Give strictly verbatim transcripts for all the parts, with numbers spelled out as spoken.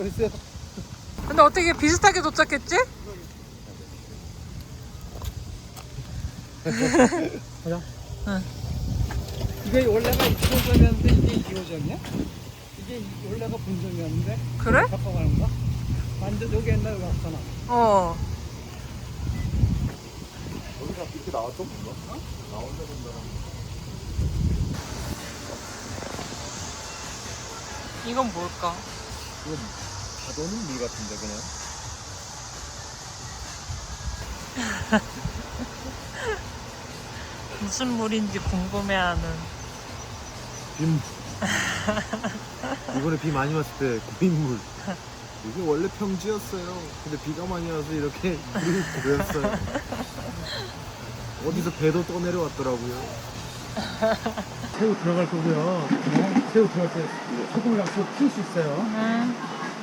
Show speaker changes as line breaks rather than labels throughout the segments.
그랬어요.
근데 어떻게 비슷하게 도착했지?
보자.
응.
이게 원래가 이호점이었는데 이게 이호점이야? 이게 원래가 본점이었는데.
그래?
바꿔가는 거야? 완전 여기 옛날에 왔잖아.
어.
여기가 이렇게 나왔던 건가? 어? 나 혼자 본다는.
이건 뭘까?
이건 가둬는 물 같은데 그냥.
무슨 물인지 궁금해하는.
빗물. 이번에 비 많이 왔을 때 고인물. 이게 원래 평지였어요. 근데 비가 많이 와서 이렇게 물이 고였어요. 어디서 배도 떠내려왔더라고요.
새우 들어갈 거고요. 네. 새우 들어갈 때 소금을 약속 풀수 있어요.
응.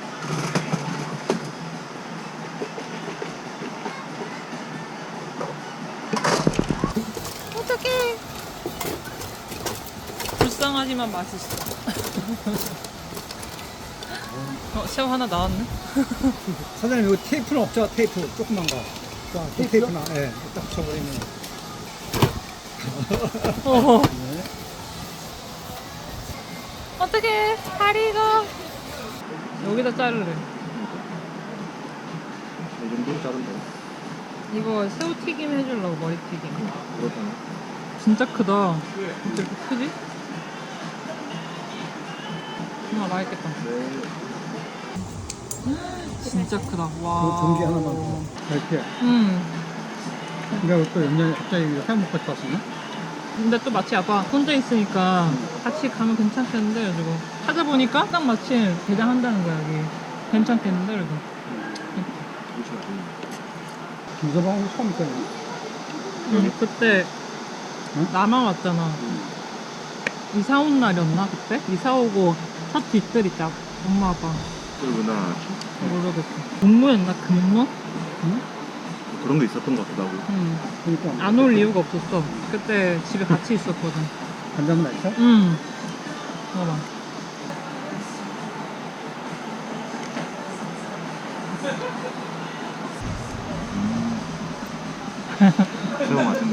어떡해. 불쌍하지만 맛있어. 어, 새우 하나 나왔네?
사장님 이거 테이프는 없죠? 테이프 조그만 거. 자, 테이프나. 예, 네, 딱 붙여버리면.
어.
네.
어떡해. 다리가. 여기다 자르래.
이 정도로 자른다.
이거 새우튀김 해주려고, 머리튀김.
그렇잖아.
진짜 크다. 진짜 이렇게 크지? 아, 맛있겠다.
네.
진짜 크다. 와.
뭐 전기 하나만 더. 이렇게.
음.
내가 또 연년에 갑자기 회 먹고 싶었었나?
근데 또 마치 아빠 혼자 있으니까 같이 가면 괜찮겠는데 그래가지고 찾아보니까 딱 마침 개장한다는 거야 여기. 괜찮겠는데 그래서.
김서방은 처음 있잖아.
응, 그때
응?
나만 왔잖아. 이사 온 날이었나 그때? 이사 오고 첫 뒷뜰이 딱 엄마 아빠.
그리고 나
모르겠어. 공무였나 금무?
응?
그런 게 있었던 것 같기도 하고.
응.
그러니까.
안 올 이유가 없었어. 그때 집에 같이 있었거든.
간장은 맛있어?
응. 봐봐.
새우 맛있네.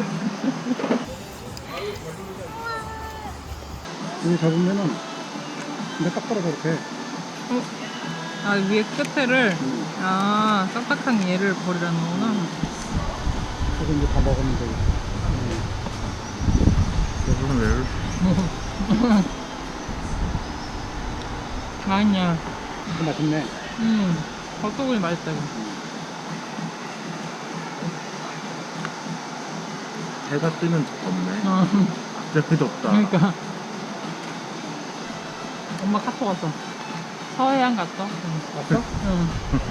여기 잡으면은 근데 딱 떨어져 이렇게.
어? 아 위에 끝에를
응.
아 딱딱한 얘를 버리라는 거구나.
그래서 이제 다 먹으면 되고.
무슨 왜?
맛있냐?
이거 맛있네.
음 닭소고기 맛있다 이거.
해가 뜨면 덥네.
어,
갑자기 덥다.
그러니까 엄마 카톡 왔어. 서해안 갔어? 응.
왔어?
응.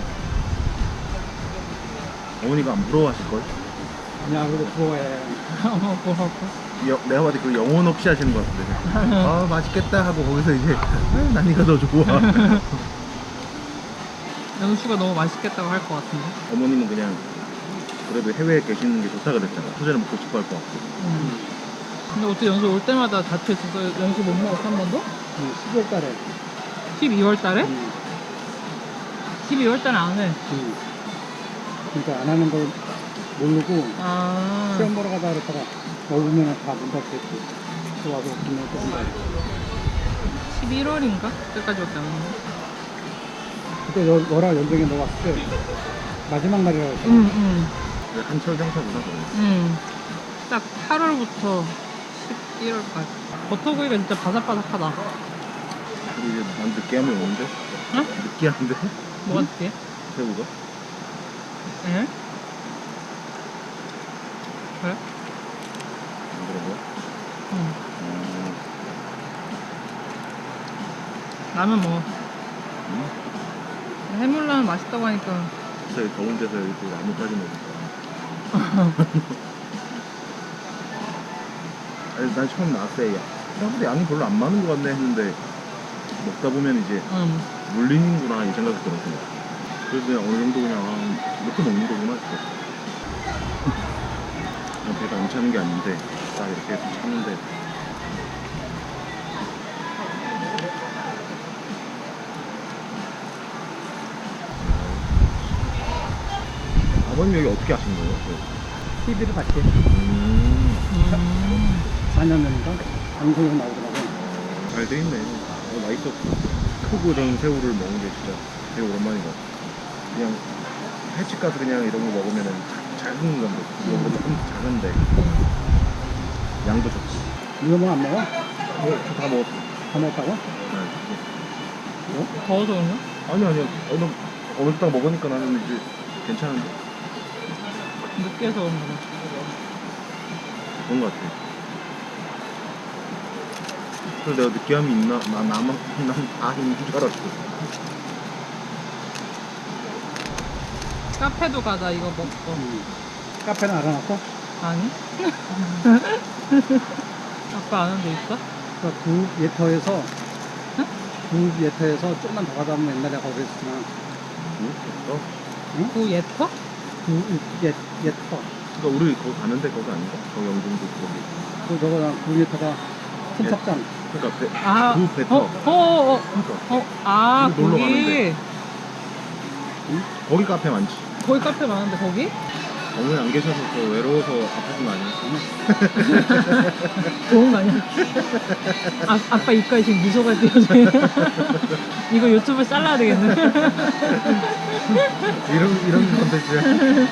어머니가 안 부러워하실걸?
아니야, 그래도 부러워해.
엄마 뭐라고?
여, 내가 봐도 그 영혼 없이 하시는 것 같은데. 아 맛있겠다 하고 거기서 이제 아, 난이가 더 좋아.
연수가 너무 맛있겠다고 할 것 같은데.
어머님은 그냥 그래도 해외에 계시는 게 좋다 그랬잖아. 소재는 먹고 싶어 할 것 같고.
응. 근데 어떻게 연수 올 때마다 다투했어서 연수 못 먹었어 한 번도?
응, 십이월 달에.
십이월 달에?
응.
십이월 달에 안 해.
응. 그러니까 안 하는 걸 모르고
아.
시험 보러 가다 그랬다가 먹으면 다 문 닫겠지. 또 와서 오면 또 온다.
십일월인가? 그때까지밖에 안 했는데.
그때 너, 너랑 연정이 너 왔을 때 마지막 날이라고 했잖아.
응, 응.
한철 장사구나 그러면.
응. 딱 팔월부터 십일월까지. 버터구이가 진짜 바삭바삭하다.
근데 이제 난 느끼하면 오는데?
응?
느끼한데?
뭐가 느끼해?
새우가?
응? 그래?
안 그런 거야?
응.
어,
라면 먹어.
응?
해물라면 맛있다고 하니까.
갑자기 더운 데서 여기 또 나뭇가지 먹을까? 아니 난 처음 나왔을 때 야, 생각보다 양이 별로 안 많은 것 같네 했는데 먹다 보면 이제
응.
물리는구나 이 생각이 들었어. 그래서 그냥 어느 정도 그냥 아, 이렇게 먹는 거구나 싶었어. 그냥 배가 안 차는 게 아닌데 딱 이렇게 해서 차는데 아버님 여기 어떻게 하신 거예요?
티비를 봤지.
음,
음.
사 년 전인가 방송에 나오더라고.
잘 돼 있네. 어, 맛있었어. 크고 이런 새우를 먹는 게 진짜 되게 오랜만인 것 같아. 그냥 횟집 가서 그냥 이런 거 먹으면은 자- 작은 건데 이거보다 좀 작은데 양도 좋지.
이거 뭐 안 먹어?
어, 저다 먹었어.
다 먹었다고?
네.
더워서 그런가?
아니 아니요. 어느 어느 딱 먹으니까 나는 이제 괜찮은데
느끼해서 그런가 봐.
그런 것 같아. 그래서 내가 느끼함이 있나? 나 나만 난다 있는 줄 알았어.
카페도 가자 이거 먹고.
음. 카페는 알아놨어?
아니? 아빠 아는 데 있어?
그러니까 구 예터에서 구 예터에서 좀만 더 가다 보면 옛날에 거기 있었잖아.
응? 어?
구 예터?
구 예, 예터.
그러니까 우리 거기 가는데 거기 아닌가? 거기 영종도 거기.
그 저거 구 예터가 순탑장.
그러니까 배,
아,
구 배터.
어, 어, 어, 어,
그러니까
어, 아,
우리 놀러
거기.
가는데. 거기 카페 많지.
거기 카페 많은데 거기?
어머니 안 계셔서 더 외로워서 아프신 거 아니야?
좋은 거 아니야? 아, 아빠 입가에 지금 미소가 띄어져요. 이거 유튜브에 잘라야 되겠네.
이런 이런 컨텐츠야.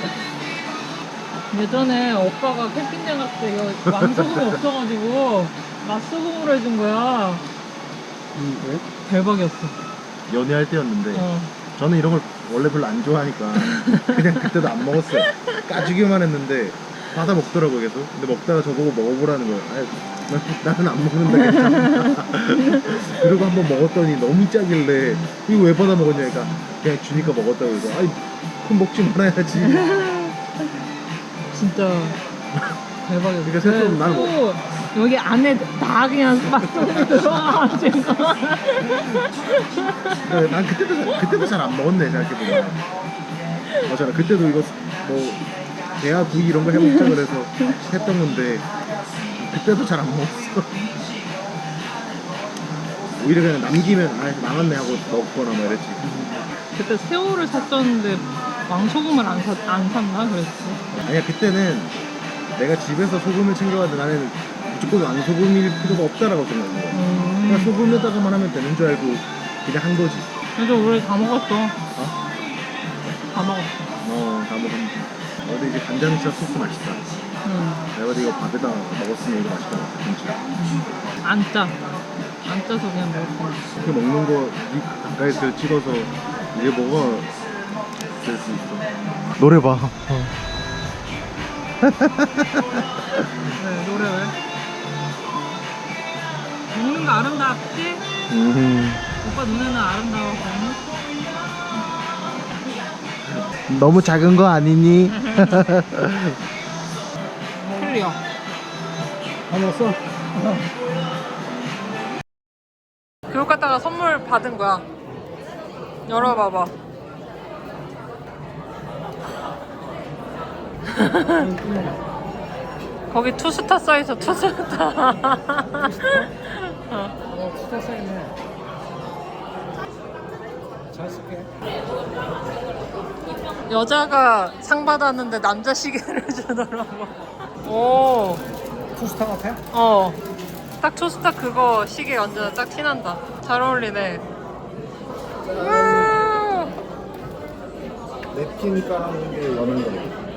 예전에 오빠가 캠핑장 갔을 때 이거 왕소금이 없어가지고 맛소금으로 해준 거야.
음, 그래?
대박이었어.
연애할 때였는데
어.
저는 이런 걸 원래 별로 안 좋아하니까 그냥 그때도 안 먹었어요. 까주기만 했는데 받아 먹더라고 계속. 근데 먹다가 저보고 먹어보라는 거예요. 아유, 나, 나는 안 먹는다 괜찮아. 그리고 한번 먹었더니 너무 짜길래 이거 왜 받아 먹었냐니까 그냥 주니까 먹었다고 해서 아이 그럼 먹지 말아야지.
진짜 대박이었어.
그러니까 생각해보면 나는
또 여기 안에 다 그냥 맛소금이 들어가가지고.
그러니까 난 그때도 잘- 그때도 잘 안 먹었네 생각해보면. 맞아, 그때도 이거 뭐 대하 구이 이런 거 해먹자 그래서 했던 건데 그때도 잘 안 먹었어. 오히려 그냥 남기면 아 망했네 하고 넣거나 뭐 이랬지.
그때 새우를 샀었는데 왕소금을 안, 사, 안 샀나 그랬지.
아니야, 그때는 내가 집에서 소금을 챙겨가도 나는 무조건 왕소금일 필요가 없다라고 생각한 거야. 그냥
음.
소금에다가만 하면 되는 줄 알고 그냥 한 거지.
그래도 우리 다 먹었어.
어?
다 먹었어.
어, 다 먹었는데. 어, 근데 이제 간장치아 소스 맛있다.
응.
내가 근데 이거 밥에다 먹었으면 이거 맛있다. 김치.
안 짜. 안 짜서 그냥 먹을 거야.
이렇게 먹는 거 이 가까이서 찍어서 이게 뭐가 될 수 있어. 노래 봐.
네, 노래 왜? 먹는 거 아름답지?
음.
오빠 눈에는 아름다워.
너무 작은 거 아니니?
클리어.
다 먹었어?
교육 갔다가 선물 받은 거야. 열어봐봐. 거기 투스타 써있어, 투스타. 어.
어, 진짜 쌓이네. 잘 쓸게.
여자가 상 받았는데 남자 시계를 주더라고. 오,
투스타 같아?
어. 딱 투스타 그거 시계 완전 딱 티난다. 잘 어울리네. 음.
냅킨 깔아놓은 게 여는 거네.